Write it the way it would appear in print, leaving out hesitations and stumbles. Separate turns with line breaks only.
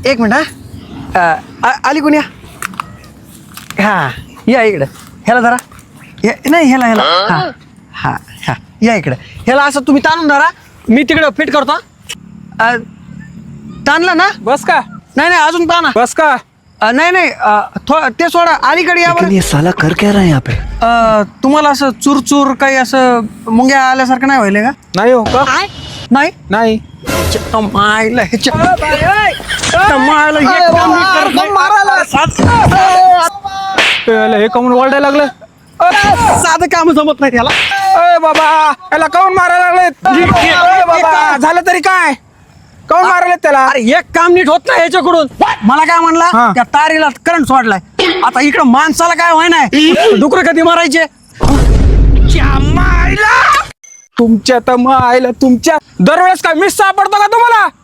एक मिनिट आली कोण या हा या इकडं ह्याला जरा नाही ह्याला हा हा हा या इकडं ह्याला असं तुम्ही ताणून धरा मी तिकडं फिट करतो ताणलं ना
बस का
नाही नाही अजून ताणा
बस का
नाही नाही ते सोडा अलीकडे या बरं.
ये साला कर क्या रहा है यहाँ पे?
तुम्हाला असं चूर काही असं मुंग्या आल्यासारखं नाही व्हायला का
नाही हो का
नाही
नाही
मायला मायला एक काम नीट करत नाही.
हे काऊन ओरडायला लागलं
साधं काम जमत नाही त्याला
अय बाबा याला काऊन मारायला लागले बाबा झालं तरी काय काऊन मारायला त्याला
अरे एक काम नीट होत नाही याच्याकडून मला काय म्हणला
हा.
त्या तारीला करंट सोडलाय आता इकडं माणसाला काय व्हाय नाही डुकर कधी मारायचे
तुमच्या तर मग आईला तुमच्या दरवेळेस काय मिस सापडतो का तुम्हाला